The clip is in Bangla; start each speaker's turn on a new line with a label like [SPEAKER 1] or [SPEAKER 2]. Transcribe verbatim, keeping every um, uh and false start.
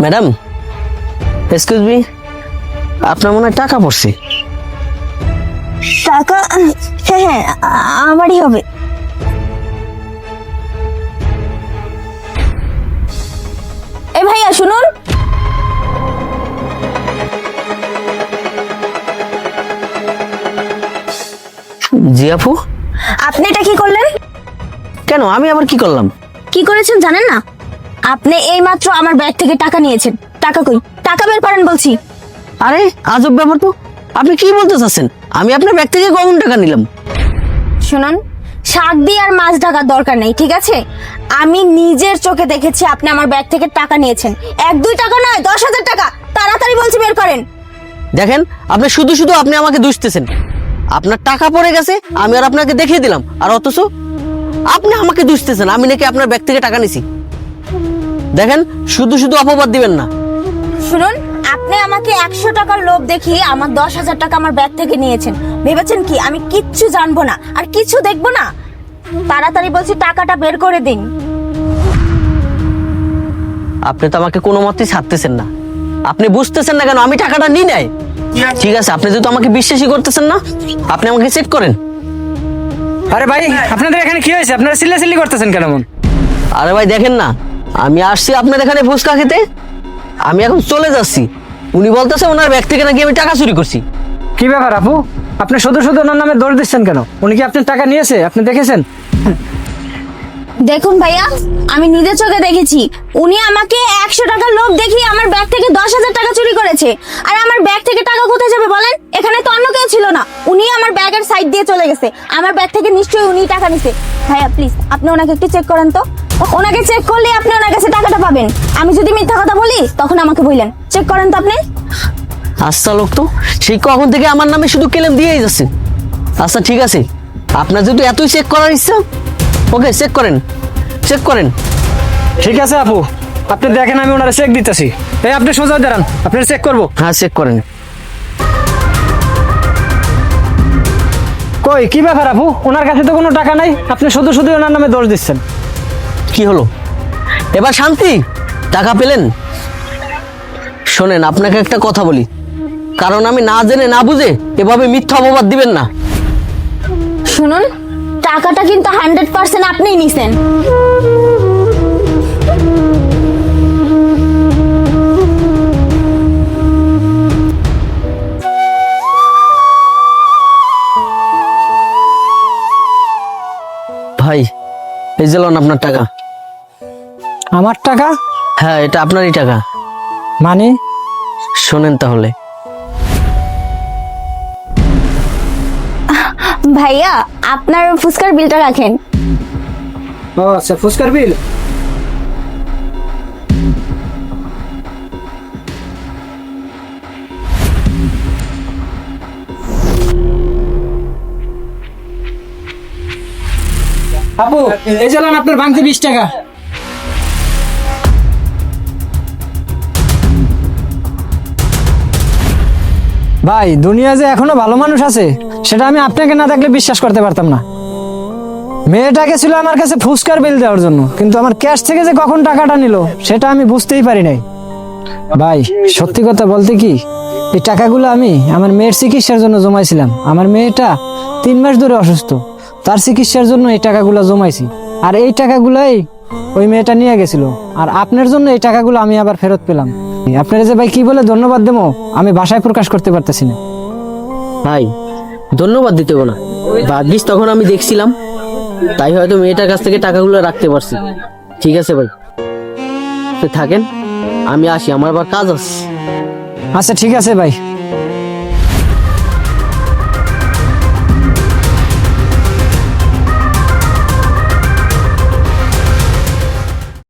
[SPEAKER 1] ম্যাডাম, এক্সকিউজ মি, আপনার মনে হয় টাকা পড়ছে।
[SPEAKER 2] টাকা? হ্যাঁ হ্যাঁ, আমারই হবে। এই ভাইয়া শুনুন,
[SPEAKER 1] জি আপু।
[SPEAKER 2] আপনি এটা কি করলেন?
[SPEAKER 1] কেন, আমি আবার কি করলাম?
[SPEAKER 2] কি করেছেন জানেন না? আপনি এইমাত্র আমার ব্যাগ থেকে টাকা নিয়েছেন। টাকা কই? টাকা বের করেন বলছি।
[SPEAKER 1] আরে আজব ব্যাপার তো, আপনি কি বলতে চাচ্ছেন? আমি আপনার ব্যাগ থেকে কখন টাকা নিলাম?
[SPEAKER 2] শুনুন, শাক দিয়ে আর মাছ ঢাকার দরকার নেই, ঠিক আছে? আমি নিজের চোখে দেখেছি আপনি আমার ব্যাগ থেকে টাকা নিয়েছেন। এক দুই টাকা নয়, দশ হাজার টাকা। তাড়াতাড়ি বলছি বের করেন।
[SPEAKER 1] দেখেন, আপনি শুধু শুধু আপনি আমাকে দুষতেছেন। আপনার টাকা পড়ে গেছে, আমি আর আপনাকে দেখিয়ে দিলাম, আর অথচ আপনি আমাকে দুষতেছেন আমি নাকি আপনার ব্যাগ থেকে টাকা নিছি। দেখেন, শুধু শুধু অপবাদ দিবেন না।
[SPEAKER 2] শুনুন, আপনি আমাকে একশো টাকার লোভ দেখিয়ে আমার দশ হাজার টাকা আমার ব্যাগ থেকে নিয়েছেন। ভেবেছেন কি আমি কিচ্ছু জানবো না আর কিছু দেখবো না? তাড়াতাড়ি বলছি টাকাটা বের করে দিন।
[SPEAKER 1] আপনি তো আমাকে কোনো মতেই ছাড়তেছেন না। আপনি বুঝতেছেন না কেন আমি টাকাটা নিই নাই? ঠিক আছে, আপনি যেহেতু আমাকে বিশ্বাসই করতেছেন না, আপনি আমাকে চেক করেন।
[SPEAKER 3] আরে ভাই, আপনাদের এখানে কি হয়েছে? আপনারা চিল্লাচিল্লি করতেছেন কেন?
[SPEAKER 1] আরে ভাই দেখেন না, আমি আসছি আপনার এখানে ফুচকা খেতে, আমি এখন চলে যাচ্ছি। উনি বলতেছে ওনার ব্যাগ থেকে নাকি আমি টাকা চুরি করছি।
[SPEAKER 3] কি ব্যাপার আপু, আপনি শুধু শুধু ওনার নামে দোষ দিচ্ছেন কেন? উনি কি আপনার টাকা নিয়েছে? আপনি দেখেছেন?
[SPEAKER 2] দেখুন ভাইয়া, আমি নিজের চোখে দেখেছি উনি আমাকে একশো টাকার লোভ দেখিয়ে আমার ব্যাগ থেকে দশ হাজার টাকা চুরি করেছে। আর আমার ব্যাগ থেকে টাকা কোথায় যাবে বলেন? এখানে তো অন্য কেউ ছিল না। উনি আমার ব্যাগের সাইড দিয়ে চলে গেছে। আমার ব্যাগ থেকে নিশ্চয়ই উনি টাকা নিছে। ভাইয়া প্লিজ, আপনি ওনাকে একটু চেক করেন তো। ওনাকে চেক করলে আপনি ওনার কাছে টাকাটা পাবেন। আমি যদি মিথ্যা কথা বলি তখন আমাকে বললেন। চেক করেন তো আপনি।
[SPEAKER 1] আচ্ছা লোক তো, সেই কখন থেকে আমার নামে শুধু ক্লেম দিয়েই যাচ্ছে। আচ্ছা ঠিক আছে, আপনার যেহেতু এতই চেক করার ইচ্ছা, ওকে চেক করেন, চেক করেন।
[SPEAKER 3] ঠিক আছে আপু, আপনি দেখেন, আমি ওনারা চেক দিতেছি। এই আপনি সোজা দাঁড়ান, আপনার চেক করবো।
[SPEAKER 1] হ্যাঁ চেক করেন।
[SPEAKER 3] কই, কি ব্যাপার আপু? ওনার কাছে তো কোনো টাকা নাই, আপনি শুধু শুধু ওনার নামে দোষ দিচ্ছেন।
[SPEAKER 1] কি হলো এবার? শান্তি? টাকা পেলেন? শোনেন, আপনাকে একটা কথা বলি, কারণ আমি না জেনে না বুঝে এভাবে মিথ্যা অপবাদ দিবেন না।
[SPEAKER 2] শুনুন, টাকাটা কিন্তু হান্ড্রেড পার্সেন্ট আপনিই নিছেন।
[SPEAKER 1] ভাই, এই যে লন আপনার টাকা।
[SPEAKER 3] আমার টাকা?
[SPEAKER 1] হ্যাঁ, এটা আপনারই টাকা।
[SPEAKER 3] মানে?
[SPEAKER 1] শোনেন তাহলে,
[SPEAKER 2] ভাইয়া আপনার ফুচকার বিলটা রাখেন।
[SPEAKER 3] ও আচ্ছা, ফুচকার বিল। আপু, এই যে লন আপনার ভাঙতি বিশ টাকা। ভাই, দুনিয়া যে এখনো ভালো মানুষ আছে সেটা আমি আপনাকে না দেখলে বিশ্বাস করতে পারতাম না। মেয়েটাকে ছিল আমার কাছে ফুচকার বিল দেওয়ার জন্য, কিন্তু আমার ক্যাশ থেকে যে কখন টাকাটা নিল সেটা আমি বুঝতেই পারি নাই। ভাই, সত্যি কথা বলতে কি, এই টাকাগুলো আমি আমার মেয়ের চিকিৎসার জন্য জমাইছিলাম। আমার মেয়েটা তিন মাস ধরে অসুস্থ, তার চিকিৎসার জন্য এই টাকাগুলো জমাইছি। আর এই টাকাগুলোই ওই মেয়েটা নিয়ে গেছিল, আর আপনার জন্য এই টাকাগুলো আমি আবার ফেরত পেলাম। আপনারা যে ভাই কি বলে ধন্যবাদ দেবো আমি ভাষায় প্রকাশ করতে পারতেছি না।
[SPEAKER 1] ভাই ধন্যবাদ দিতে হবে না, ভাগ্যিস তখন আমি দেখছিলাম, তাই হয়তো মেয়েটার কাছ থেকে টাকাগুলো রাখতে পারছি। ঠিক আছে ভাই, তো থাকেন, আমি আসি, আমার আবার কাজ আছে।
[SPEAKER 3] আচ্ছা ঠিক আছে ভাই।